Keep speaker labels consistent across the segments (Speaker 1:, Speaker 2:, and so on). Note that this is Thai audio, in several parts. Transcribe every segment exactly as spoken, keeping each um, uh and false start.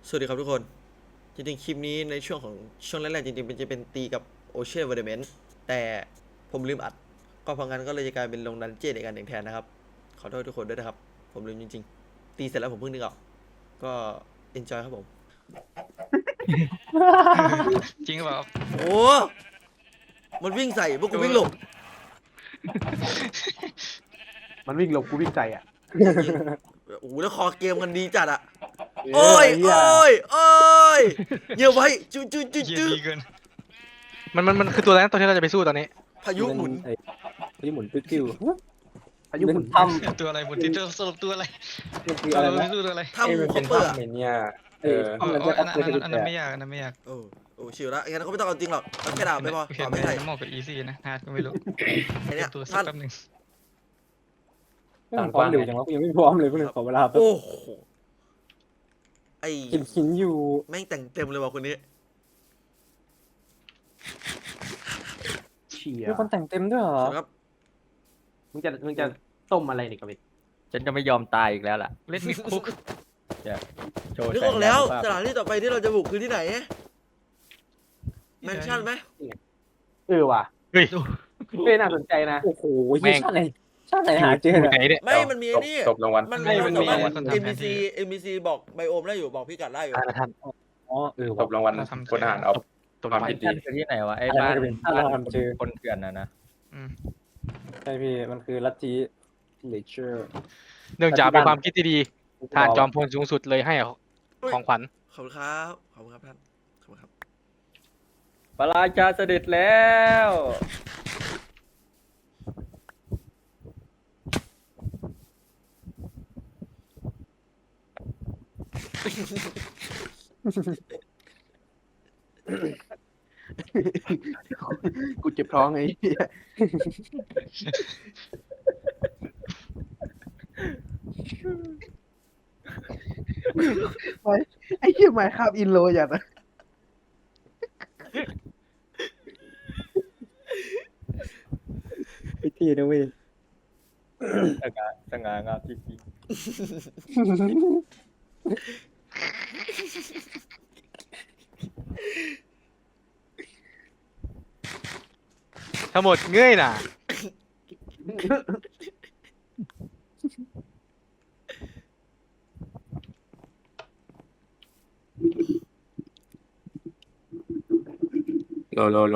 Speaker 1: สวัสดีครับทุกคนจริงๆคลิปนี้ในช่วงของช่วงแรกๆจริงๆเป็นจะเป็นตีกับโอเชียนเวอร์เมนต์แต่ผมลืมอัดก็เพราะงั้นก็เลยจะกลายเป็นลงดันเจี้ยนอีกอันหนึ่งแทนนะครับขอโทษทุกคนด้วยนะครับผมลืมจริงๆตีเสร็จแล้วผมเพิ่งนึกออกก็เอนจอยครับผม
Speaker 2: จริงหรือเปล่า
Speaker 1: โอ้มันวิ่งใส่พวกกูวิ่งหลบ
Speaker 3: มันวิ่งหลบกูวิ่งใส่อ่ะ
Speaker 1: จริงๆโอ้โหแล้วคอเกมกันดีจัดอะโอ้ย
Speaker 3: เหี้
Speaker 1: โอ้ยโอ้ยเยี่ยมไว้จุ๊จุ๊จุ๊
Speaker 2: เฮีย
Speaker 1: จุ๊
Speaker 2: ดีเกิน
Speaker 4: มันมันมันคือตัวอะไรนะตัวที่เราจะไปสู้ตอนนี้
Speaker 1: พายุหมุน
Speaker 5: ไอ้พายุหมุนติ้ว
Speaker 3: พายุหมุน
Speaker 5: ๆถ้ำ
Speaker 2: ตัวอะไรบนที่เจอสรุปตัวอะไร
Speaker 5: มันคือ
Speaker 2: ตัว
Speaker 5: อะไร
Speaker 2: อะไร
Speaker 5: นะ
Speaker 2: ตัวอะไร
Speaker 1: ถ้ำคอปเปอร์อะ
Speaker 5: เนี่ยเออ
Speaker 2: เออ
Speaker 5: มัน
Speaker 2: เอ
Speaker 5: จะ
Speaker 2: ออันนั้น
Speaker 5: อัพ
Speaker 2: อัน
Speaker 5: เกร
Speaker 2: นั้น
Speaker 5: ด
Speaker 2: อันนั้นไม่ยากอันนั้นไม่ยาก
Speaker 1: โอ้โอ้ชิวละงั้นเขาไม่ต้องเอาจริงหรอกเอาแค่ดาบไม่พอ
Speaker 2: โอเค
Speaker 1: ต่อ
Speaker 2: ไม่
Speaker 1: ไม่ใช่
Speaker 2: น้ำหมอกกับอีซี่นะฮาร์ดก็ไม่รู้
Speaker 1: ไอเนี้ย
Speaker 2: ตัวสัก
Speaker 1: ท่าน
Speaker 2: แป๊บหนึง
Speaker 5: พร้อมเร็วจังวะกูยังไม่พร้อมเลยเพื่อนขอเวลาแป๊บ
Speaker 1: โอ้โหไอ
Speaker 5: กินหินอยู่
Speaker 1: แม่งแต่งเต็มเลยว่ะคนนี้
Speaker 3: เชีย
Speaker 5: มีคนแต่งเต็มด้วยเหรอ
Speaker 1: ครับ
Speaker 3: มึงจะมึงจะต้มอะไรนี่กับเวท
Speaker 6: ฉันจะไม่ยอมตายอีกแล้วล่ะ
Speaker 2: เล่นมิคุก
Speaker 6: โชว์
Speaker 1: นึก
Speaker 6: แส
Speaker 1: ออกแล้ว
Speaker 6: ยานุภาพ
Speaker 1: สถานที่ต่อไปที่เราจะบุกคือที่ไหนแมนชั่นไหม
Speaker 3: เออว่ะ
Speaker 4: เฮ้ย
Speaker 3: เฮ้ยน่าสนใจนะ
Speaker 5: โอ้โห
Speaker 4: แม่ง
Speaker 5: ชาติไหนชาติไหนหาเจอ
Speaker 4: อยู่
Speaker 5: เนี่ย
Speaker 4: ไหนเนี่ย
Speaker 1: ไม่มันมีไอ้นี่
Speaker 5: จบรางวัล
Speaker 1: มัน
Speaker 2: ไม่มันมี
Speaker 1: สาารถ
Speaker 2: คนทำ
Speaker 1: เอ็ม
Speaker 2: แผ
Speaker 1: บี
Speaker 2: น
Speaker 1: ซี
Speaker 2: ที่
Speaker 1: เอ็มบีซีบอกไบโอมได้อยู่บอกพี่กัดได้อยู่
Speaker 4: อ่าท่าน
Speaker 5: อ๋อเออ
Speaker 7: ตบรางวัล
Speaker 2: เราทำ
Speaker 7: พลทหารเอา
Speaker 4: ตัว
Speaker 7: ความ
Speaker 4: ใหม่
Speaker 7: ผิดดี
Speaker 6: ท่านคือที่ไหนวะไอ้
Speaker 5: อะไร
Speaker 6: บ้าน
Speaker 5: จะเป็นถ้า
Speaker 6: บ้าน
Speaker 5: เราทำเจอ
Speaker 6: คนเถื่อนนะนะ
Speaker 2: อืม
Speaker 5: ใช่พี่มันคือลัทธิเลเชอร์
Speaker 4: เนื่องจากเป็นความคิดที่ดีทานจอมพลสูงสุดเลยให้ของขวัญ
Speaker 1: ขอบคุณครับขอบคุณครับท่านขอบคุณครับ
Speaker 6: ปราชาเสด็จแล้ว
Speaker 3: กูเจ็บท้องไอ้เหี้ย ไอ้เหี้ยไมค์ครับอินโลอย่างนะ
Speaker 5: พิธีนะเว้ย
Speaker 6: สง่าสง่างามจริง
Speaker 4: ทั้งหมดเงยน่ะ
Speaker 7: โลโลโล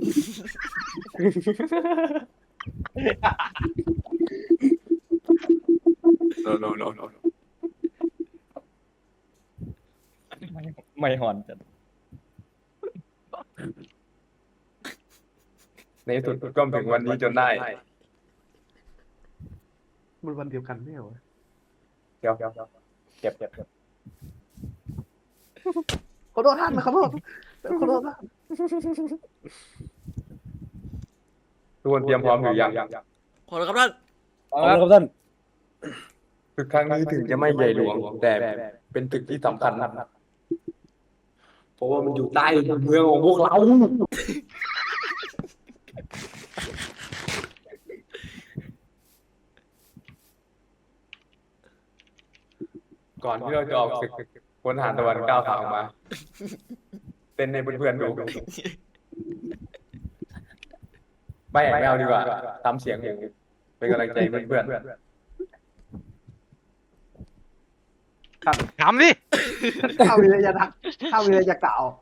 Speaker 7: โลโลโลโล
Speaker 6: ๆไม่ไม่หอนจัด
Speaker 7: ในที่สุดก็ถึงวันนี้จนได้
Speaker 3: มันวันเดียวกันไม่เหรอวะ
Speaker 7: เดี๋ยวเดี๋ยวเดี๋ยวเก็บเก็บเก็บ
Speaker 3: ขอโทษท่านนะขอโทษขอโทษท่าน
Speaker 7: ทุกคนเตรียมพร้อมอยู่ยัง
Speaker 1: ขอบคุณครับท่าน
Speaker 5: ขอบคุณครับท่าน
Speaker 7: ตึกครั้งนี้ถึงจะไม่ใหญ่หลวง แต่เป็นตึกที่สำคัญนะเพราะว่ามันอยู่ใต้เมืองของพวกเรา ก่อนที่เราจะออกศึกพลทหารตะวันก้าวขาออกมาเต้นในเพื่อนๆดูไม่ไม่เอาดีกว่าทำเสียงอย่างเป็นกำลังใจเพื่อน
Speaker 4: ถามดิ
Speaker 3: ข้าวิริยะข้าวิริยะกล่าว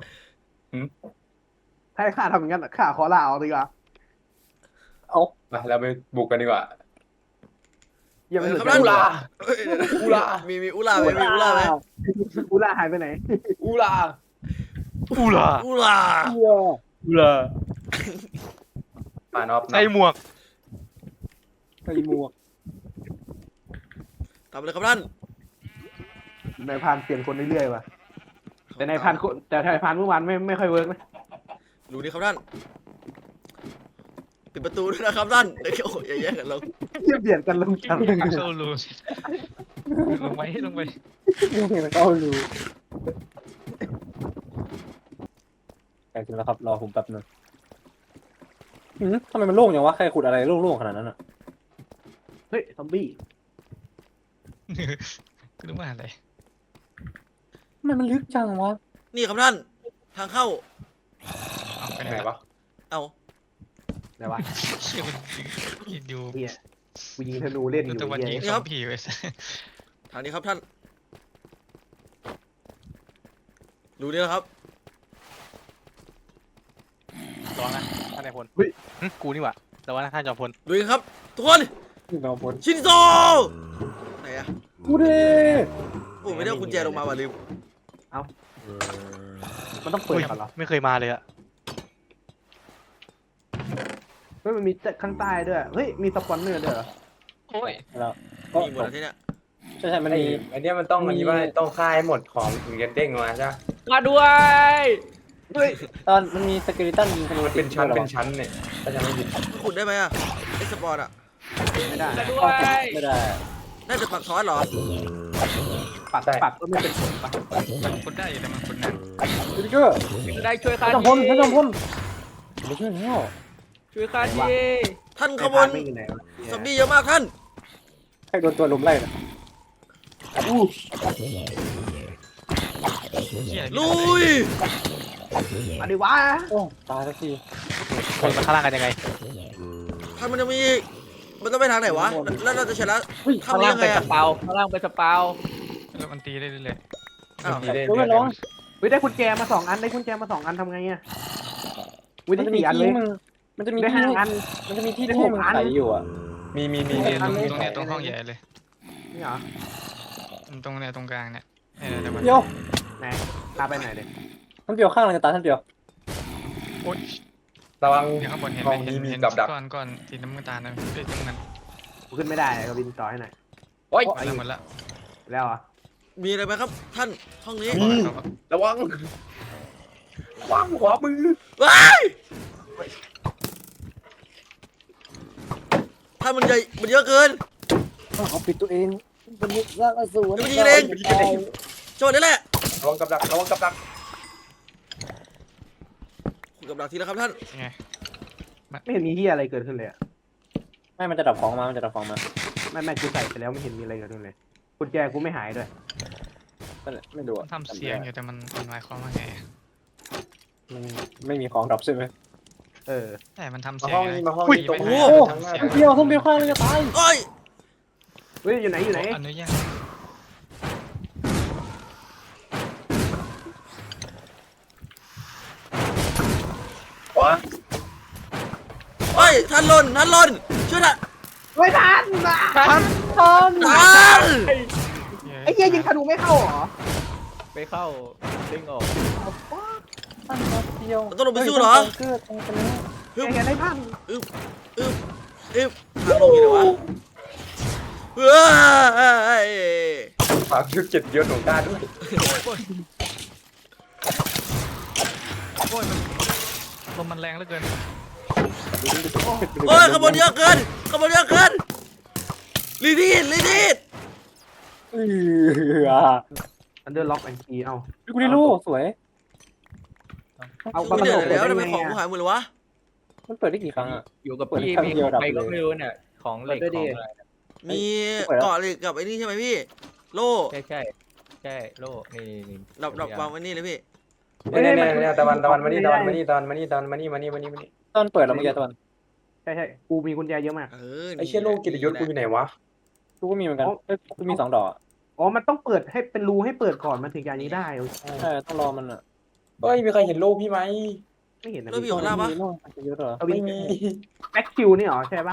Speaker 3: ถ้าให้ข้าทำอย่างนั้นอะข้าขอลาออกดีกว่า
Speaker 7: ๆมาเราไปบุกกันดีกว่า
Speaker 3: อย่าไปสน
Speaker 1: ครับ
Speaker 3: ใจ
Speaker 1: ท่าน
Speaker 7: อุลา
Speaker 1: เอ้ยเดี๋ยวนะ
Speaker 7: อุลา
Speaker 1: มีมีอุลาไหมมีอุลาไหม
Speaker 3: กูลาหายไปไหน
Speaker 7: อูลา
Speaker 4: อูล่ะ
Speaker 1: อุลา
Speaker 6: อุลา
Speaker 7: มานอบ
Speaker 4: ใส่หมวก
Speaker 5: ใส่หมวก
Speaker 1: ทำเลยครับท่าน
Speaker 3: นายพรานเปลี่ยนคนเรื่อยๆว่ะแต่นายพรานคนแต่นายพรานเมื่อวานไม่ไม่ค่อยเวิร์กนะ
Speaker 1: รู้นี่ครับท่านปิดประตูด้วยนะครับท่านเดี๋ยวโอ้ยอย่าแย่งกันลง
Speaker 3: เทียบเบียดกันลงจัง
Speaker 2: เข้ารูลงไปลงไป
Speaker 5: ยังไงมันก็รู้ใกล้ถึงแล้วครับรอผมแป๊บนึงหืมทำไมมันโล่งอย่างวะใครขุดอะไรโล่งๆขนาดนั้นอ่ะ
Speaker 3: เฮ้ยซอมบี้
Speaker 2: คือว่าอะไร
Speaker 5: ไมมันลึกจังวะ
Speaker 1: นี่ครับท่าน ทางเข้า
Speaker 2: เอาไป
Speaker 7: ไป
Speaker 2: ไห
Speaker 7: ไห
Speaker 2: น
Speaker 7: น
Speaker 2: วะ
Speaker 7: วะ
Speaker 1: เอา
Speaker 3: ไหนวะ
Speaker 2: เชี่ยมันยิงดู
Speaker 3: เฮียกูยิงธนูเล่นอ
Speaker 2: ดู
Speaker 3: ยู่
Speaker 2: ตะวันยิ
Speaker 3: เฮี
Speaker 2: ง
Speaker 3: ย
Speaker 2: สองผีไว้ซะ
Speaker 1: ทางนี้ครับท่าน รู้นี่แล้วครับ
Speaker 4: ระวังนะท่านนายพลหึกูนี่หว่าระวังนะท่านจอมพล
Speaker 1: ดูกันครับ ทุกคน
Speaker 5: นี่เราพล
Speaker 1: ชินโซไหนอะ
Speaker 5: กูเด้
Speaker 1: โอ้ไม่ได้เอากุญแจลงมาว่ะลืม
Speaker 3: มันต้องเปิดก่อนเหรอ
Speaker 4: ไม่เคยมาเลยอะ
Speaker 3: เฮ้ยมันมีข้างใต้ด้วยเฮ้ยมีสปอนเนอร์ด้วยเหรอ
Speaker 2: โอ้ย
Speaker 5: แล้วก็
Speaker 1: มีหมดแล้วที่เนี้ย
Speaker 5: ใช่ใช่มัน
Speaker 7: ไอ้
Speaker 5: มี
Speaker 7: ไอ้เนี่ยมันต้องอันนี้ว่าต้องฆ่าให้หมดของถึงจะเด้งมาใช่ไหม
Speaker 4: มาด้วย
Speaker 3: เฮ้ย
Speaker 5: ตอนมันมีสเกลิตันยิงธนู
Speaker 7: มันเป็นชั้นเป็นชั้นเนี่ยถ้าจะไม่ผิด
Speaker 1: ขุดได้ไหมอะไอสปอร์ตอะ
Speaker 3: ไม่ได้
Speaker 4: ด้วย
Speaker 5: ไม่ได้
Speaker 1: น่าจะปักทอสเหรอ
Speaker 3: ปักปักก็ไม่เป็นผลปะ
Speaker 2: มันคนได้อยู่แต่มันคนนั้น
Speaker 5: ดิเกอร์
Speaker 4: ได้ช่วยข้า
Speaker 5: ท่านจอมพลท่านจอมพลไม่ช่วยแล้ว
Speaker 4: ช่วยข้าที
Speaker 1: ท่านข
Speaker 3: ไอ้
Speaker 1: บว
Speaker 3: พาน นไม่อยู่ไหนวะ
Speaker 1: ซอมบี้เยอะมากท่าน
Speaker 5: ใครโดนตัวลุมไล่นะ
Speaker 3: อู้
Speaker 2: เชี่ย
Speaker 1: ลุย
Speaker 3: มาดิวะ
Speaker 5: โอ้ตายแล้วสิ
Speaker 4: คนมาข้างล่างกันยังไง
Speaker 1: ท่านมันจะมีอีกมันต้องไปทางไหนวะ แล้วเราจะชนะ
Speaker 5: เฮ้ย
Speaker 1: ทำยังไงอะ
Speaker 4: ข้างล่างเป็นสปาว
Speaker 2: แล้วมันตีได้เรื่อย
Speaker 1: อ้าว
Speaker 7: มีได้
Speaker 5: เฮ้ย
Speaker 7: เรื่
Speaker 5: ไม่ร้อง
Speaker 7: อย
Speaker 3: เฮ้ยได้กุญแจมาสองอันได้กุญแจมาสองอันทำไงอ่ะวิ
Speaker 5: มัน
Speaker 3: ได้
Speaker 5: จะมี
Speaker 3: สี่อันเล
Speaker 5: ที่
Speaker 3: ย
Speaker 5: มึงมันจะมี
Speaker 3: ได้
Speaker 5: ที่
Speaker 3: ห้าอัน
Speaker 5: มันจะมีที่
Speaker 3: ได้
Speaker 5: ที่
Speaker 3: หก
Speaker 5: มึง
Speaker 3: อัน
Speaker 5: ใส่อยู่อ่ะ
Speaker 7: ๆมีมีมี
Speaker 2: ๆ
Speaker 7: มี
Speaker 2: เนี่ยตรงตรงเนี้ยตรงห้องใหญ่เลย
Speaker 3: นี่เหรอ
Speaker 2: ตรงเนี้ยตรงกลางเนี่ยเออแต่มัน
Speaker 5: เดี๋ยว
Speaker 3: ไหนพาไปไหนเด็ก
Speaker 5: ท่านเปียวข้างอะไรจะตายท่านเปียว
Speaker 2: โอ๊ย
Speaker 7: ระวัง
Speaker 2: เดี๋ยวข้างบนเห็น
Speaker 7: ห้
Speaker 2: ไหม
Speaker 7: อง
Speaker 2: เห็
Speaker 7: นี้
Speaker 2: น
Speaker 7: มี
Speaker 2: เห็น
Speaker 7: กับดัก
Speaker 2: ก้อนก้อนสีน้ำตาลนะเอ้ยตรงนั้น
Speaker 3: กูขึ้นไม่ได้ก็บินต่อให้หน่อย
Speaker 7: โอ๊ย
Speaker 2: หมดแล้วหมดแล้ว
Speaker 3: แล้วเหรอ่ะ
Speaker 1: มีอะไรไหมครับ ท่านห้องนี้
Speaker 7: มี ระวังระวังขวามือ
Speaker 1: ว้ายท่านมันใหญ่มันเยอะเกิน
Speaker 5: เขาปิดตัวเองมันยึดร่างอสูร
Speaker 1: มันยิงเองโจทย์นี่แหละ
Speaker 7: ระวังกับดักระวังกับดัก
Speaker 1: ขุดกับดักทีแล้วครับท่าน
Speaker 2: ยังไง
Speaker 3: ไม่เห็นมีที่อะไรเกิดขึ้นเลยอ่ะ
Speaker 5: ไม่มันจะดับของมามันจะดับของมา
Speaker 3: ไม่ไม่กูใส่ไปแล้วไม่เห็นมีอะไรเกิดขึ้นเลยกุญแจกูไม่หายด้วย
Speaker 5: นั่นแหละไม่ดู
Speaker 2: มันทำเสียงอยู่แต่มันมันหมายความว่าไง
Speaker 5: มันไม่มีของดับใช่ไหม
Speaker 3: เออ
Speaker 2: แต่มันทำ
Speaker 7: มา
Speaker 2: เสียง
Speaker 7: ห้อง
Speaker 2: ไง
Speaker 7: นี้มาห้อง
Speaker 2: อุ้ย
Speaker 7: นี้ตรง
Speaker 2: ไม่
Speaker 7: นี้
Speaker 2: ได้
Speaker 7: ทางหน้า
Speaker 2: ทำเสียง
Speaker 5: เปียวท่านเปียวข้างเลยจะตาย
Speaker 1: โอ้ย
Speaker 3: เฮ้ยอยู่ไหนอยู่ไหน
Speaker 2: อนุญาต
Speaker 7: โอ๊ย
Speaker 1: โอ้ยท่านหล่นท่านหล่นช่วยท่าน
Speaker 3: ไม่ทันนะ
Speaker 5: ท่าน
Speaker 1: ท่าน
Speaker 3: ไอ้เหี้ยยิงธนูไม่เข้าเหรอ
Speaker 4: ไปเข้าเด้งออก
Speaker 5: ท่านเปียว
Speaker 1: เราต้องลงไปสู้เหรอ
Speaker 5: เกิดตรงนี้
Speaker 1: ฮึบ
Speaker 3: แกได้พัน
Speaker 1: อึบอึบอึบทางลงอยู่ไหนวะเฮ้ย
Speaker 7: ฝากชุดเจ็ดยศของข้าด้วย
Speaker 2: โอ้ยมันลมมันแรงเหลือเกิน
Speaker 1: โอ้ยขบวนเยอะเกินขบวนเยอะเกินลีดีดลีดีด
Speaker 5: เออ
Speaker 3: อันเดอร์ล็อกแอนด์คีเอา
Speaker 5: กูได้รู้สวย
Speaker 3: เอา
Speaker 1: กูไม่เดือดแล้ว
Speaker 3: ได้
Speaker 1: ทำไม
Speaker 3: ไง
Speaker 1: ของ
Speaker 3: อะ
Speaker 1: กูหายหมดเลยวะ
Speaker 5: มันเปิดได้กี่ครั้งอ่ะ
Speaker 4: อยู่กับ
Speaker 5: เปิด
Speaker 4: พี่
Speaker 5: ครั้ง
Speaker 4: มี
Speaker 5: เดียวดับ
Speaker 4: ใครก็
Speaker 5: เลย
Speaker 4: ไม่รู้เนี่ยของเหล็กของอะไร
Speaker 1: มีเกาะเหล็กกับไอ้นี่ใช่ไหมพี่ โล่
Speaker 4: ใช่ใช่ใช่โล่นี่นี่
Speaker 1: ดับดับวางไว้นี่เลยพี่
Speaker 7: เนี่ยเนี่ยเนี่ยตะวันตะวันมานี่ตะวันมานี่ตะวันมานี่ตะวันมานี่มานี่มานี่มานี่
Speaker 5: ตอนเปิดเราเมื่อกี้ตอน
Speaker 3: ใช่ใช่กูมีกุญแจเยอะมาก
Speaker 1: เออ
Speaker 7: ไอ้เชี่ยโลกกิตยศกูอยู่ไหนวะ
Speaker 5: กูก็มีเหมือนกันเอ้ยกูมีสองดอกอะ
Speaker 3: อ๋อมันต้องเปิดให้เป็นรูให้เปิดก่อนมันถึงจะอันนี้ได้โอเค
Speaker 5: ใช่ต้องรอมันอ่ะ
Speaker 7: เฮ้ยมีใครเห็นโลกพี่ไหม
Speaker 3: ไม่เห็นนะ
Speaker 1: โล่พี่ของล่างปะ
Speaker 5: มีโล่มันจะเยอะเหรอ
Speaker 3: เอา
Speaker 7: ไม่
Speaker 3: วิน
Speaker 7: มี
Speaker 3: แบ็คคิวนี่เหรอใช่ปะ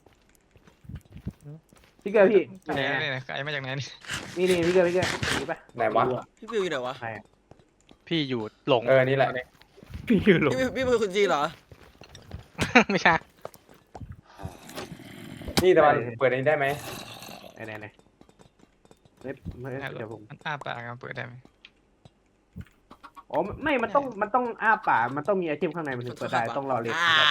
Speaker 3: พี่เกอร์พี่
Speaker 2: ไหนไหนไกลมาจากไหนนี่
Speaker 3: นี่นี่พี่เกอร์พี่เกอร์นี่ปะ
Speaker 7: ไหนวะ
Speaker 1: พี่ฟิวอยู่ไหนวะ
Speaker 4: พี่อยู่หลง
Speaker 7: เออนี่แหละ
Speaker 4: พี่อยู่หลง
Speaker 1: พี่พี่เป็นคนจีนเหรอ
Speaker 4: ไม่ใช่
Speaker 7: นี่ตะวันเปิดอันนี้ได้ไหม
Speaker 3: ไหนไหนไหนเฮ้ยเฮ้ยเดี๋ยวผม
Speaker 2: มันอ้าปากมันเปิดได้ไหม
Speaker 3: อ๋อไม่มันต้องมันต้องอ้าปากมันต้องมีไอเทมข้างในมันถึงเปิดได้ต้องรอเรียน
Speaker 1: อ่า
Speaker 3: ต่อไป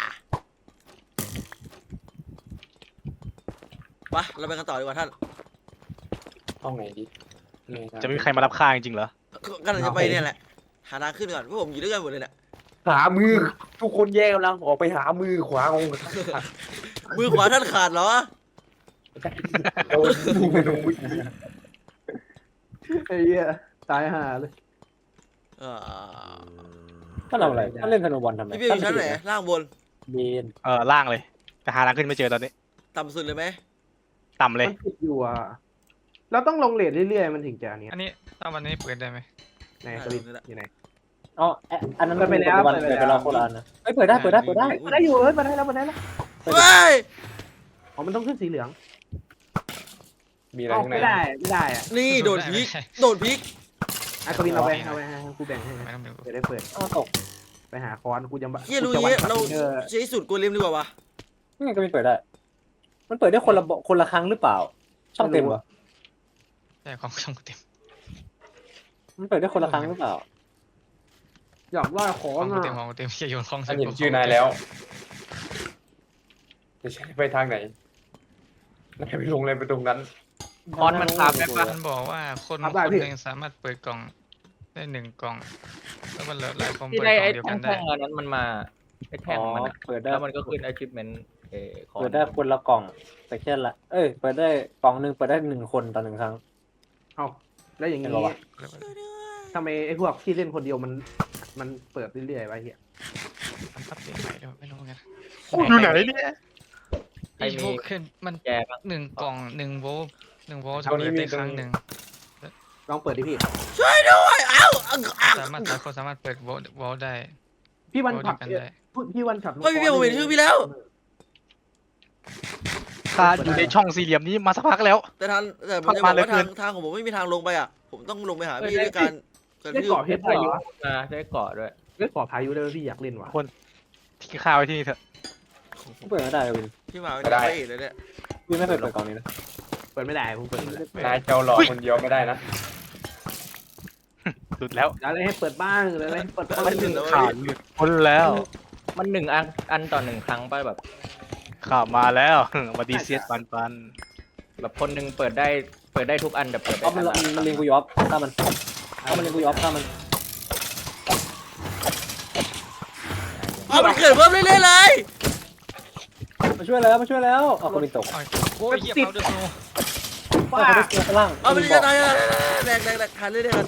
Speaker 1: ไปเราไปกันต่อดีกว่าท่าน
Speaker 7: ห้องไหนดีนี่ครับ
Speaker 4: จะไม่มีใครมารับข้าจริงๆเหรอ
Speaker 1: กำลังจะไปเนี่ยแหละ หาทางขึ้นก่อนเพราะผมอยู่ด้วยกันหมดเลยเนี่ย
Speaker 7: หามือทุกคนแยกกำลังออกไปหามือขวาของ
Speaker 1: มือขวาท่านขาดเหรอ
Speaker 7: โดนมือลงมือ
Speaker 3: ไอ้เหี้ยตายห่าเลย
Speaker 1: เอ่อ
Speaker 5: ถ้าทำอะไรถ้าเล่นธนูบอลทำไม
Speaker 1: พี่เบียร์อยู่ชั้นไหนล่างบน
Speaker 5: เบน
Speaker 4: เออล่างเลยแต่หาทางขึ้นไม่เจอตอนนี้
Speaker 1: ต่ำสุดเลยไหม
Speaker 4: ต่ำเลย
Speaker 3: มันติดอยู่อ่ะเราต้องลงเลทเรื่อยๆมันถึงจะอันเนี้ย
Speaker 2: อันนี้ตอนวันนี้เปิดได้ไหม
Speaker 3: ไหนสวิตอยู่ไหน
Speaker 5: อ๋อแอะอันนั้น
Speaker 3: เปิดไปแล้ว
Speaker 5: ปัจจุบัน
Speaker 3: เปิ
Speaker 5: เปิ
Speaker 3: ด
Speaker 5: ด
Speaker 3: ไป
Speaker 5: ไป
Speaker 3: แล้
Speaker 5: แล้ว วโคราชนะเอ้ยเปิดได้เปิดได้เปิดได้
Speaker 3: มาได้อยู่เอ้ยมาได้แล้วมาได้แล้ว
Speaker 1: เฮ้ย
Speaker 3: อ๋อมันต้องขึ้นสีเหลือง
Speaker 7: มีอะไร
Speaker 3: อ๋อ
Speaker 7: ข้างใน
Speaker 3: ไม่ได้ไม่ได้อ่ะ
Speaker 1: นี่โดนพลิกโดนพลิก
Speaker 3: อ่ะกวินเอาไปเอาไปให้กูแบ่งให้
Speaker 2: ไม่ต้องดู
Speaker 3: เปิดได้เปิด
Speaker 5: อ้าวตก
Speaker 3: ไปหาคอนกูจะ
Speaker 1: เฮียรู้
Speaker 3: กูจะ
Speaker 1: เงี้ย
Speaker 3: วัด
Speaker 1: เรา
Speaker 3: เออ
Speaker 1: ใช้สูตรโกเลมดีกว่าวะ
Speaker 5: นี่ไงก็มีเปิดได้ มันเปิดได้คนละบคนละครั้งหรือเปล่า ช่องเต็มเหรอ
Speaker 2: ใช่ของช่องเต็ม
Speaker 5: มันเปิดได้คนละครั้งหรือเปล่า
Speaker 3: อยากว่าคอ
Speaker 2: ขอน ง
Speaker 3: อ่ะ
Speaker 2: เต็มของเต็มอย่าโยนของ
Speaker 7: ฉันเห็นชื่อนายแล้วจะใช้ไปทางไหนนายไปลงอะไรไปตรงนั้น
Speaker 6: คอนมันพาแบบว่า
Speaker 2: มันบอกว่าคน
Speaker 3: ครับ
Speaker 2: ค
Speaker 3: ได้
Speaker 2: น
Speaker 3: พี่
Speaker 2: หนึ่งสามารถเปิดกล่องได้หนึ่งกล่อง แล้วมันเหลือหลายคน
Speaker 6: ที่
Speaker 2: เปิด
Speaker 6: ได้
Speaker 2: กล่อ
Speaker 6: ไอ้
Speaker 2: งเดียวกันได้
Speaker 6: แท่งๆอันนั้นมันมาไอ้แท่งมันอะ
Speaker 5: เปิดได้
Speaker 6: แล้วมันก็ขึ้น achievement เอ่อคอน
Speaker 5: เปิดได้คนละกล่อง แต่แค่ละ เอ้ย เปิดได้กล่องหนึ่งเปิดได้หนึ่งคนต่อหนึ่งครั้ง
Speaker 3: เอาแล้วอย่าง
Speaker 5: เห็
Speaker 3: นี้
Speaker 5: นปะวะ
Speaker 3: ทำไมไอ้พวกที่เล่นคนเดียวมันมันเปิดเรื่อยๆวะเฮีย
Speaker 2: มันปรับเปลี่ยนใหม่ด้วยไม่รู้เหมือนกัน
Speaker 4: อยู่ไหนเนี่ย
Speaker 6: ใคร
Speaker 2: ไอ้
Speaker 6: มี
Speaker 2: พวกขึ้นมัน
Speaker 6: แกบ้าง
Speaker 2: หนึ่งกล่องหนึ่งโวลต์หนึ่งโวลต์
Speaker 7: ตรงนี้
Speaker 2: เปิด
Speaker 7: มี
Speaker 2: ได้ครั้งหนึ่ง
Speaker 3: ลองเปิดดิพี่
Speaker 1: ช่วยด้วยเอ้าอ้าวอ้าว
Speaker 2: สามารถหลายคนสามารถเปิดโวลต์โวลต์ได้
Speaker 3: พี่วัน
Speaker 2: โวลต์
Speaker 3: ขั
Speaker 2: เดี
Speaker 3: บ
Speaker 2: ยวกันได้
Speaker 3: พี่วันขับ
Speaker 1: เฮ้ยพี่เบียร์ผมเห็นชื่อพี่แล้ว
Speaker 4: คาอยู่ในช่องสี่เหลี่ยมนี้มาสักพักแล้ว
Speaker 1: แต่ทางแต่ผมจะบอก
Speaker 4: เข้ามาเลย
Speaker 1: ว่าทาง
Speaker 4: เพื่อน
Speaker 1: ทางของผมไม่มีทางลงไปอ่ะ ผมต้องลงไปหาพี่ด้วยการกระ
Speaker 3: ได้
Speaker 1: ทืบ
Speaker 3: เกาะเพชร
Speaker 6: พา
Speaker 3: ได้
Speaker 6: ยุ
Speaker 3: วะ
Speaker 6: มาได้เกาะด้วย
Speaker 3: ได้เกาะพายุได้พี่อยากเล่นวะ
Speaker 4: ที่ข้าวไว้ที่นี่เถอะ
Speaker 5: เปิดไม่ได้วิน
Speaker 1: พี่มา
Speaker 7: ไม่
Speaker 1: ไม่
Speaker 7: ได้
Speaker 1: ได้เลยเนี่ย
Speaker 5: วินไม่เคยเปิดกล่องนี้นะ
Speaker 3: เปิดไม่ได้ผมเปิดไม่ได้
Speaker 7: นายเจ้าหลอกคนเดียวไม่ได้นะ
Speaker 4: หลุดแล้ว
Speaker 3: อะไรให้เปิดบ้างอะไรให้เปิดบ้าง
Speaker 1: ไม่ถึงแล้ว
Speaker 4: ข่าว
Speaker 1: พี่
Speaker 4: หลุดพ้นแล้ว
Speaker 6: มันหนึ่งอันอันต่อหนึ่งครั้งป่ะแบบ
Speaker 4: ข่าวมาแล้วมาดีเซียสปันปัน
Speaker 6: แบบคนหนึ่งเปิดได้เปิดได้ทุกอันแต่เปิดได้
Speaker 5: เอามัน
Speaker 6: อันละ
Speaker 5: มันเลียงกูยอฟฆ่ามันเอามันเลียงกูยอฟฆ่ามัน
Speaker 1: เอามันเกิดเพิ่มเรื่อยๆเลย
Speaker 5: มาช่วยแล้วมาช่วยแล้วเอาคนบินตก
Speaker 2: โอ้ยเหี้ยเขาเดือดโน
Speaker 5: เอาคนได้เจอข้างล่าง
Speaker 1: เอามัน
Speaker 5: บิน
Speaker 1: จะ
Speaker 5: บอก
Speaker 1: ตายแดกแดกแดกทันเรื่อยๆกัน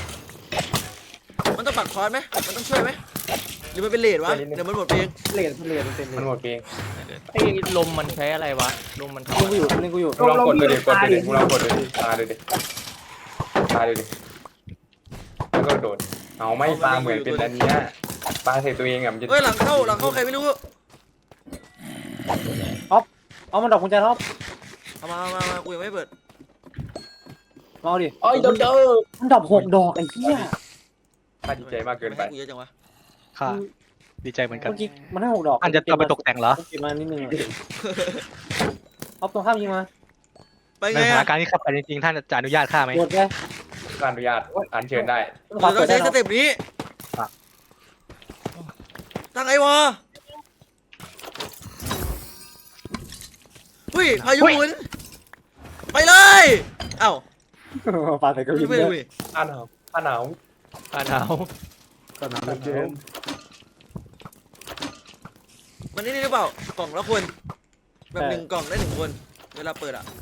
Speaker 1: มันต้องปักคอนไหมมันต้องช่วยไหมหรือมันเป็นเลดวะเดี๋ยวมันหมดเพลง
Speaker 3: เลนเลนมันเป็นเล
Speaker 7: มัน
Speaker 3: น
Speaker 7: หมดเอง
Speaker 6: ไอ้ลมมันใช้อะไรวะลมมันทำ
Speaker 5: เลียงกูอยู่เลียงกูอยู่
Speaker 7: มึงลองกดดูดิกดดูดิมึงลองกดดูดิตาดูดิตาดูดิแล้วก็โดดเอาไม่ปลาเหมือนเป็นอันเนี้ยปลาใส่ตัวเองอ่ะมันจะ
Speaker 1: เฮ้ยหลังเข้าหลังเข้าใครไม่รู้
Speaker 5: เอามันดอกกุญแจท็อป
Speaker 1: เอามาเอามามากูยังไม่เปิด
Speaker 5: มาเอาดิ
Speaker 7: เอ้ยเดี๋ยวเจอ
Speaker 5: มันดอกหกดอกไอ้เหี้ย
Speaker 7: ข้าดีใจมากเกินไป
Speaker 1: ม่ให้กูเยอะจังวะ
Speaker 4: ค่ะดีใจเหมือนกัน
Speaker 5: เมื่อกี้มันให้หกดอก
Speaker 4: อันจะเอาไปตกแต่งเหรอ
Speaker 5: เก็บมานิดนึงอะเอาตรงข้ามยิงมา
Speaker 1: ไป
Speaker 4: ใน
Speaker 1: ไง
Speaker 4: สถาน
Speaker 1: อะ
Speaker 4: การณ์ที่ขับไปจริงๆท่านจะอนุญาตฆ่าไหม
Speaker 5: หมดเลย
Speaker 7: การอนุญาตอันเชิญได้
Speaker 5: ขวา
Speaker 1: เรา
Speaker 5: เปิ
Speaker 1: ต้อ
Speaker 5: ด
Speaker 1: ง
Speaker 5: ได้
Speaker 1: ใช้ส
Speaker 5: เนาะ
Speaker 1: เต็ปนี้ตั้งไอ้วอหุ้ยพายุหมุนไปเลยเอ้า
Speaker 5: ปาใส่กระ
Speaker 1: ไม่
Speaker 5: วิน
Speaker 1: ไป
Speaker 5: เล
Speaker 1: ดู
Speaker 5: ย
Speaker 1: ดิ
Speaker 7: ผ้าหนาวผ้าหนาว
Speaker 6: อ่าหนาว
Speaker 3: สนามเดิม
Speaker 1: มันนี่นี่หรือเปล่ากล่องละคนแบบหนึ่งกล่องได้หนึ่งคนเวลาเปิดอ่ะ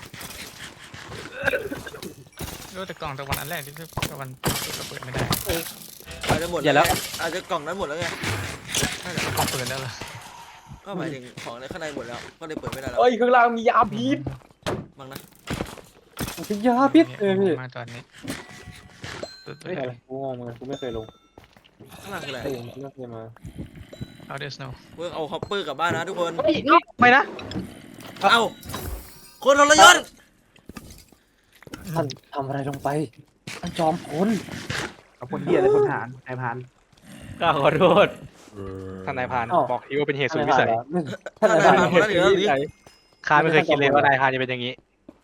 Speaker 2: รู้แต่กล่องตะวันอันแรกที่ตะวันก็เปิดไม่ได้
Speaker 1: อาจจะหมด
Speaker 4: อย่าแล้ว
Speaker 1: ไงอาจจะกล่องนั้นหมดแล้วไง
Speaker 2: น่าจะกล่องเปิดแล้วเหรอ
Speaker 1: ก็หมายถึงของในข้างในหมดแล้วก็เลยเปิดไม่ได้แล้ว
Speaker 7: เอ้ยข้างล่างมียาพิษ
Speaker 1: มั้งนะ
Speaker 5: พิยาพิษเออพี่
Speaker 2: มาตอนนี้สุด
Speaker 5: ไม่
Speaker 2: เลย
Speaker 5: อะไรกูงงเหมือนกันกูไม่เคยลง
Speaker 1: ข้างล่างคืออะไร
Speaker 5: เออไม่เคยมา
Speaker 2: เอาเดสโน
Speaker 1: เพิ่งเอาฮอปเปอร์กลับบ้านนะทุกคน
Speaker 4: ไม่นะ
Speaker 1: เอาคนทรยศ
Speaker 5: ท่านทำอะไรลงไปท่านจอมพล
Speaker 3: เอาคนเดียเลยคนฐานนายพาน
Speaker 6: ข้าขอโทษ
Speaker 4: ท่านนายพรานบอกทีว่าเป็นเหตุสุดวิ
Speaker 5: ท่าน
Speaker 4: สัย
Speaker 5: ท่าน
Speaker 1: ท่าน
Speaker 5: นาย
Speaker 1: นาย
Speaker 5: พราน
Speaker 1: พานคนนั้นเหลือหรือ
Speaker 4: ข้าไม่เคยคิดเลยว่านายพรานจะเป็นอย่างนี้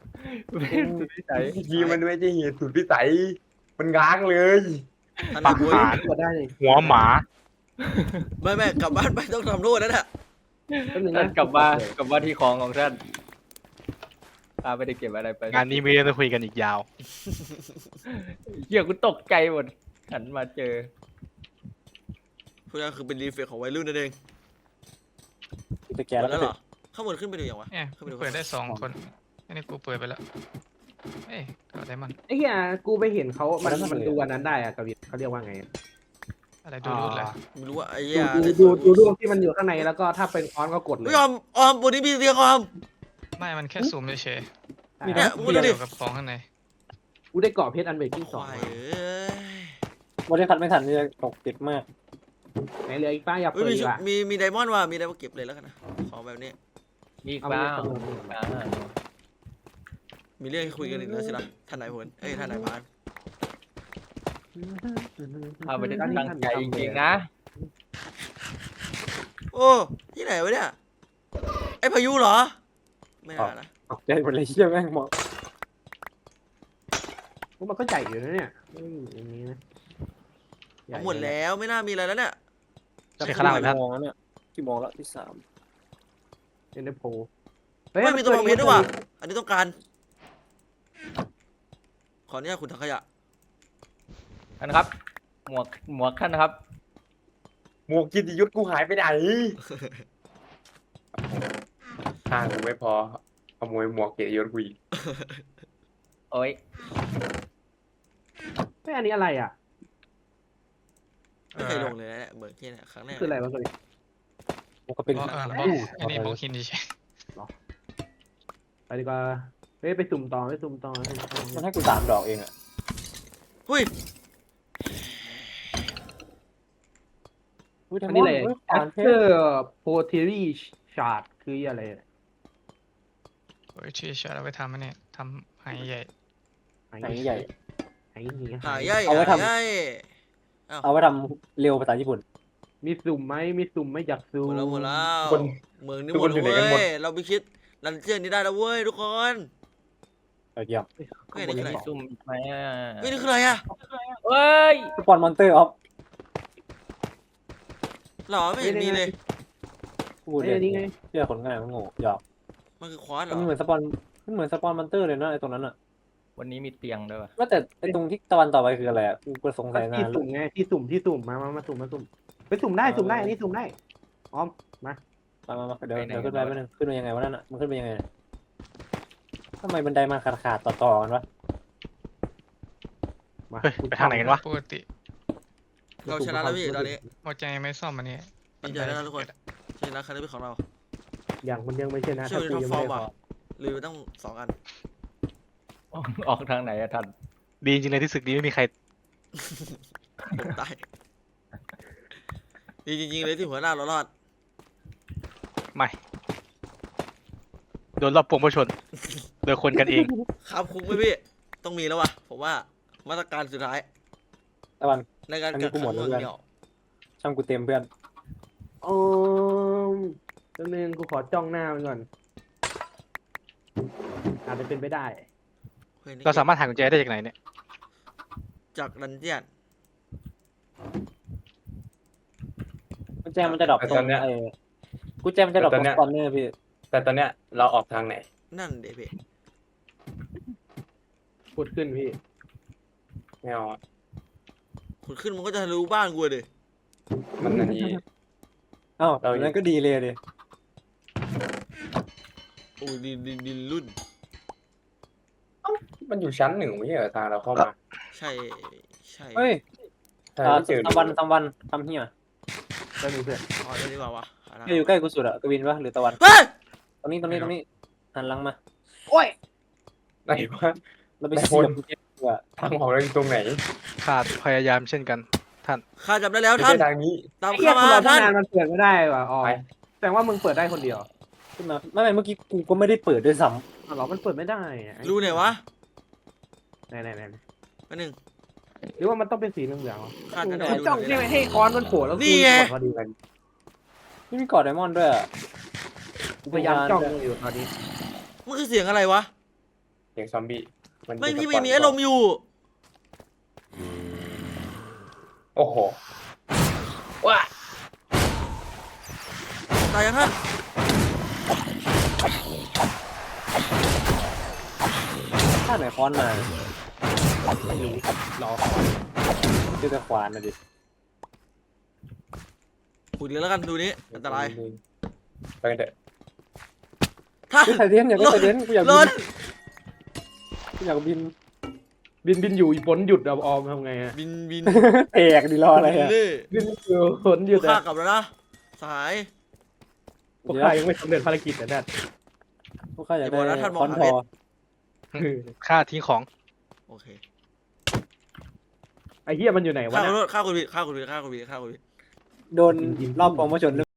Speaker 7: ยีมันไม่ใช่เหตุสุดวิสัยมันง้างเลย
Speaker 1: ท่าน
Speaker 4: ปะ
Speaker 1: นายบุ้ย
Speaker 4: หาร
Speaker 3: กดได้เลย
Speaker 4: หัวหมา
Speaker 1: ไม่ไม่กลับบ้านไปต้องทำโทษนั่นแหละ
Speaker 3: แป๊บนึง
Speaker 6: ท่า
Speaker 3: นะ
Speaker 6: นกลับมากลับมาที่ของของท่านข้าไม่ได้เก็บอะไรไป
Speaker 4: งานนี้มีเรื่องจะคุยกันอีกยาว
Speaker 6: เหี้ยกูตกใจหมดหันมาเจอ
Speaker 1: พวกนั้นคือเป็นรีเฟกของวัยรุ่นนั่นเอง
Speaker 5: จะแก
Speaker 1: หม
Speaker 5: แล้ว
Speaker 1: ดแล้ว
Speaker 5: ก็
Speaker 1: เหรอข้างบนขึ้นไปดูยังวะ
Speaker 2: เนี่ยเปิดได้สองคนอันนี้กูเปิดไปแล้ว
Speaker 4: เอ้ยก็ไดมอนด์
Speaker 3: ไอ้เหี้ยกูไปเห็นเขามันมันดูอันนั้นได้อะกวินเขาเรียกว่าไงอะ
Speaker 4: อะไรดูรูดเลย
Speaker 1: ไม่รู้ว่าไอ้เหี้ย
Speaker 3: ดูดูดูดูรูปที่มันอยู่ข้างในแล้วก็ถ้าเป็นออนก็กดเลย
Speaker 1: ไม่ออมออมบนนี้มีเตียงออม
Speaker 4: ไม่มันแค่ซูมเฉย
Speaker 3: มี
Speaker 1: เนี่ย
Speaker 4: ๆ
Speaker 1: มึงดูดิ
Speaker 4: เกี่ยวกับของข้างใน
Speaker 3: กูได้เกาะเพชรอันเบรกกิ้ง
Speaker 1: ค
Speaker 3: สอง
Speaker 1: วาย
Speaker 3: มา
Speaker 1: เอ้ย
Speaker 5: วันนี้คัดไม่ทันนี่จะตกติดมาก
Speaker 3: ไหนเหลืออีกป้าอย่า
Speaker 1: เอ้ย
Speaker 3: เปิด
Speaker 1: มี
Speaker 3: ดีกว่า
Speaker 1: มีมีไดมอนด์ว่ะมีไดมอนด์เก็บเลยแล้วกันนะของแบบนี้
Speaker 6: มีอีก
Speaker 3: เอา
Speaker 6: เป
Speaker 3: ไป
Speaker 6: ล่า
Speaker 3: จำนวน
Speaker 6: มีอีกเปล่า
Speaker 1: มีเรื่องให้คุยกันอีกแล้วสินะท่านนายพลเอ้ยท่านนายพราน
Speaker 6: เอาไปได้ตั้งใจจริงๆนะ
Speaker 1: โอ้ที่ไหนวะเนี่ยไอ้พายุเหรอไม่น่านะ
Speaker 5: ตกใจหมดเลยเชี่ยแม่งมอง
Speaker 3: พวกมันก็ใหญ่อยู่นะเนี่ยไม่ได้อยู่อย่างนี้นะใญ่
Speaker 1: เอาหมดแล้วไม่น่ามีอะไรแล้วเนี่ย
Speaker 4: ใช่ข้างล่างเลย
Speaker 5: กี่
Speaker 4: ท่าน
Speaker 5: โมงแล้วเนี่ยกี่โมงแล้วที่สาม
Speaker 3: เอ็นเดโพ
Speaker 1: ไม่มีตัวมองเพชรด้วยว่ะอันนี้ต้องการขออนุญาตคุณถังขยะ
Speaker 6: ท่านครับ หมวกหมวกท่านนะครับ
Speaker 7: หมวกกิตติยศกูหายไปไหนทางกูไม่พอขโมยหมวกเกียรติยศกูอีก
Speaker 6: โอ้ย
Speaker 3: ไม่อันนี้อะไรอ่ะ
Speaker 1: ไม่เคยลงเลยนะเนี่ยเบิร์กเกี้ยเนี่ยครั้งแรก
Speaker 3: คืออะไรวะตัวนี้
Speaker 5: มันก็เป็น
Speaker 4: บล็อกอ่าบล็อกอันนี้บล็อกหินเฉย
Speaker 3: ไปดีกว่าเฮ้ยไปสุ่มต่อไปสุ่มต่อไปสุ่มต่อ
Speaker 5: มันให้กูสามดอกเองอะ
Speaker 1: หุ้ย
Speaker 5: อุ้ย
Speaker 3: อันนี้เลย
Speaker 5: ฮ้
Speaker 3: แอ
Speaker 5: ผ่าน
Speaker 3: ส
Speaker 5: เพ
Speaker 3: เตอ
Speaker 5: ชร
Speaker 3: ร์โพเทอรี่ชาร์ดคืออะไรอะ
Speaker 4: ๆโอ้ยชื่อชาเอาไปทำอันนี้ทำหายใหญ่
Speaker 5: ไหนใหญ่
Speaker 3: ไอ้เหี้ย
Speaker 1: หายใหญ่
Speaker 5: เอาไว้
Speaker 1: หาย
Speaker 5: ทำ
Speaker 1: ใหญ่
Speaker 5: เอาไว้ทำเร็วภาษาญี่ปุ่น
Speaker 3: มีสุ่มไหมมีสุ่มไหม่อยาก
Speaker 1: ห
Speaker 3: สุ่
Speaker 1: ม
Speaker 3: ม
Speaker 1: ดแล้วหมดแล้ว
Speaker 7: คน
Speaker 1: เมืองนี้
Speaker 7: ทุก
Speaker 1: หม
Speaker 7: ค
Speaker 1: ด
Speaker 7: นอยู่
Speaker 1: แล้ว
Speaker 7: ไหนกันหมด
Speaker 1: เว้ยเราไปคิดรันเจียนนี้ได้แล้วเว้ยทุกคน
Speaker 5: เออเยี่ยม
Speaker 1: เฮ้ยนี่คืออะไร
Speaker 6: ซุ่มไหมอ่ะ
Speaker 1: เฮ้ยนี่คืออะไรอะ
Speaker 6: เฮ้ย
Speaker 5: สปอนมอนเตอร์ออฟ
Speaker 1: หรอไม่เห็นมีเลย
Speaker 5: พูด
Speaker 3: เอ้
Speaker 5: เลย ย
Speaker 3: นี่ไง
Speaker 5: เชื่อคนง่ายมันโง่หยอก
Speaker 1: มันคือควานเหร
Speaker 5: มั
Speaker 1: อน
Speaker 5: เหมือนสปอนมันเหมือนสปอนมอนเตอร์เลยนะไอ้ตรงนั้นอะ
Speaker 6: วันนี้มีเตียงด้วยวะ
Speaker 5: ว่าแต่ไอ้ตรงที่ตะวันต่อไปคืออะไรอะกูก็สงสัยนา
Speaker 3: ที่
Speaker 5: นแล้ว
Speaker 3: สุ่มไงที่สุ่มที่สุ่มมามามาสุ่มมาสุ่มไปสุ่มได้สุ่มได้อันนี้สุ่มได้ออมมา
Speaker 5: มามามาเดี๋ยวเดี๋ยวขึ้นไปแป๊บนึงขึ้นไปยังไงวะนั่นอะมันขึ้นไปยังไงทำไมบันไดมาขาดขาดต่อต่อกันวะ
Speaker 3: มา
Speaker 4: เฮ้ยไปทางไหนกันวะปกติ
Speaker 1: เราชนะแล้วพี่ตอนนี้
Speaker 4: หมดใจไม่ซ่อมอันนี้
Speaker 1: ดีใจแล้วนะทุกคนชนะครั้งนี้เป็นของเรา
Speaker 3: อย่างมันยังไม่ใช่นะ
Speaker 1: เชื่อ
Speaker 3: ถ้า
Speaker 1: ใน
Speaker 3: กู
Speaker 1: ท็อป
Speaker 3: ยัง
Speaker 1: ฟอ
Speaker 3: ไม่
Speaker 1: ร์ม
Speaker 3: ได้
Speaker 1: ว่ะลืมไปตั้งสองอัน
Speaker 6: ออกออกทางไหนอะท่าน
Speaker 4: ดีจริงเลยที่ศึกนี้ไม่มีใคร
Speaker 1: ผมตายดีจริงๆเลยที่หัวหน้าเรารอด
Speaker 4: ไม่โดนรอบปวงประชนโดยคนกันเอง
Speaker 1: ครับคุกไหมพี่ต้องมีแล้วว่ะผมว่ามาตรการสุดท้าย
Speaker 5: ตะวัน
Speaker 1: ในการ
Speaker 5: อันนี้
Speaker 1: กัก
Speaker 5: กู
Speaker 1: ขัง
Speaker 5: หมดแล้ว
Speaker 1: เมือง
Speaker 5: เพื่อน
Speaker 1: เดี่ยว
Speaker 5: ช่างกูเต็มเพื่อน
Speaker 3: โอ้มตัวนึงกูขอจ้องหน้ามันก่อนอาจจะเป็นไปได้
Speaker 1: เฮ้ยนี่
Speaker 4: เราสามารถหากุญแจได้จากไหนเนี่ย
Speaker 1: จากดันเจียน
Speaker 5: กุญแจมันจะดรอปตรงไอ้กุญแจมันจะดรอปตรงสปอนเนอร์พี่
Speaker 7: แต่ตอนเนี้ยเราออกทางไหน
Speaker 1: นั่นเด็พี่
Speaker 3: พูดขึ้นพี่
Speaker 7: ไม่เอาอะ
Speaker 1: ขุดขึ้นมันก็จะรู้บ้านกูเลย
Speaker 7: มันอันนี้
Speaker 5: อ้าว
Speaker 7: เรา
Speaker 5: นั้นก็ดีเลยดิ
Speaker 1: โอ้ยดินดินดินรุ่น
Speaker 7: มันอยู่ชั้นหนึ่งไม่ใช่เหรอทางเราเข้ามา
Speaker 1: ใช่ใช่
Speaker 5: เฮ้ย
Speaker 7: ใช่
Speaker 5: อ่า
Speaker 7: ไม่เจอ
Speaker 5: ตะวันตะวันทำเฮีย
Speaker 3: ได้หนึ่งเพื่อน
Speaker 1: อ๋อเดี๋ยวดีกว่าวะหาทาง
Speaker 5: เฮียอยู่ใกล้กูสุดอะกวินปะหรือตะวัน
Speaker 1: เฮ้ย
Speaker 5: ตรงนี้ตรงนี้ตรงนี้หันหลังมา
Speaker 3: โอ้ย
Speaker 7: ไหนวะ
Speaker 5: เราไป
Speaker 7: ไหน
Speaker 5: เสี
Speaker 7: คน
Speaker 5: ยบกุญแจดีกว่า
Speaker 7: ทางออกเราอยู่ตรงไหน
Speaker 4: ขาดพยายามเช่นกัน ท่าน
Speaker 1: ข้าจับได้แล้ว
Speaker 7: ไม่
Speaker 1: ท่าน
Speaker 7: ใช่ทางนี้
Speaker 1: ตาม
Speaker 3: ไอ้เหี้ย
Speaker 1: เข้า
Speaker 3: กู
Speaker 1: มาร
Speaker 3: อตั้ง
Speaker 1: ท่าน
Speaker 3: นานมันเปิดไม่ได้ว่ะอ๋อ
Speaker 7: ไป
Speaker 3: แสดงว่ามึงเปิดได้คนเดียว
Speaker 5: ขึ้นมาไม่ไม่เมื่อกี้กูก็ไม่ได้เปิดด้วยซ้
Speaker 3: อ๋อเหรอมันเปิดไม่ได้อะ
Speaker 1: รู้ไหนวะ
Speaker 3: ไหนไหนไหน
Speaker 1: มาหนึ่ง
Speaker 3: หรือว่ามันต้องเป็นสีเหลืองๆวะ
Speaker 1: ข้าจะได้
Speaker 3: กู
Speaker 1: ดู
Speaker 3: จ้อง
Speaker 1: หน่อย
Speaker 3: ใช่ไหม
Speaker 1: นะ
Speaker 3: ให้คอนมันโผล่แล้ว
Speaker 1: นี่ไง
Speaker 3: กูกดพอดีกัน
Speaker 5: ำนี่มีกอดไดมอนด์ด้วยอะ
Speaker 3: กูพยายามจ้องมันอยู่ตอนนี้
Speaker 1: มันคือเสียงอะไรวะ
Speaker 7: เสียงซอมบี้น
Speaker 1: ไม่
Speaker 7: เป็น
Speaker 1: พี่
Speaker 7: สป
Speaker 1: ไม่
Speaker 7: อน
Speaker 1: มีอารมณ์อยู่
Speaker 7: โอ้โห
Speaker 1: ตายยังท่าน
Speaker 5: ถ้าไหนค้อนมา
Speaker 3: ไม่รู้รอ
Speaker 5: เจอแต่ขวานนะดิ
Speaker 1: ขุดเลยแล้วกันดูนี้อันตราย
Speaker 7: ไปกันเถอะ
Speaker 1: ท่าน
Speaker 5: ไซเดนอยากได้ไซเดนกูอยาก
Speaker 1: ห
Speaker 5: ยิ
Speaker 1: ล่
Speaker 5: ง
Speaker 1: น
Speaker 5: อยากบิน
Speaker 3: บินบินอยู่อีฝนหยุดเอาออมทำไงอะ
Speaker 1: บินบิน
Speaker 5: แตกดิรออะไร
Speaker 1: บิน
Speaker 5: อ่ะ
Speaker 1: เล่
Speaker 3: บินอยู่ฝนหยุด
Speaker 1: ข้า
Speaker 3: อะ
Speaker 1: กลับแล้วนะสหาย
Speaker 3: พวกข้ายังไม่สำเร็จภารกิจนะแดด
Speaker 5: พวกข้าอยาก
Speaker 1: อย่าบอก
Speaker 5: ได้
Speaker 1: นะท่านมอง
Speaker 5: คอน
Speaker 1: หา
Speaker 5: ท
Speaker 1: เพ
Speaker 5: อ
Speaker 1: ชร
Speaker 4: ค่าทิ้งของ
Speaker 1: โอเค
Speaker 3: ไอ้เหี้ยมันอยู่ไหนวะ
Speaker 1: ข้าขอ
Speaker 3: เนี่ย
Speaker 1: โทษข้าคุณผิดข้าคุณผิดข้าคุณผิดข้าคุณผิด
Speaker 5: โดนรอบกองมาชน